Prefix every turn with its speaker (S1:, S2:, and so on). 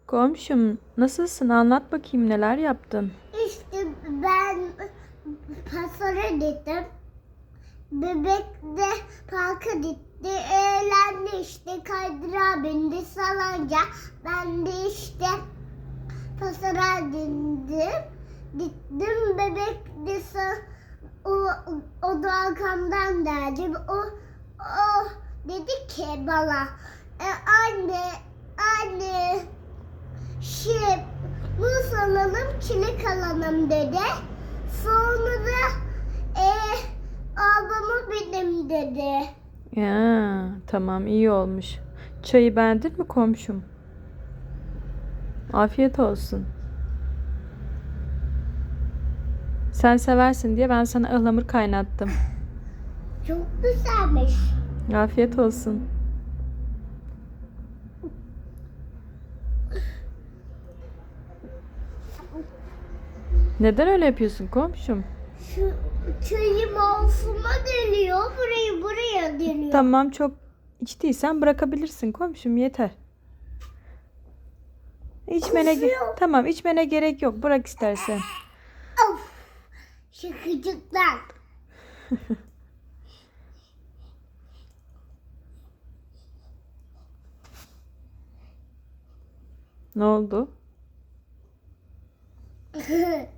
S1: Komşum, nasılsın? Anlat bakayım neler yaptın?
S2: İşte ben pazara gittim. Bebek de parka gitti. Eğlendi işte kaydırağa bindi salınca. Ben de işte pazara gittim. Bebek de o, o da arkamdan geldi. O dedi ki bana anne anne muz alalım, çilek alalım dedi. Sonra da ablamı benim dedi.
S1: Ya, tamam iyi olmuş. Çayı beğendin mi komşum? Afiyet olsun. Sen seversin diye ben sana ıhlamur kaynattım.
S2: Çok güzelmiş.
S1: Afiyet olsun. Neden öyle yapıyorsun komşum?
S2: Şu çayım ağzıma geliyor. Buraya geliyor.
S1: Tamam, çok içtiysen bırakabilirsin komşum, yeter.
S2: Kusuyor.
S1: Tamam, içmene gerek yok. Bırak istersen.
S2: Of. Şakacıklar.
S1: Ne oldu?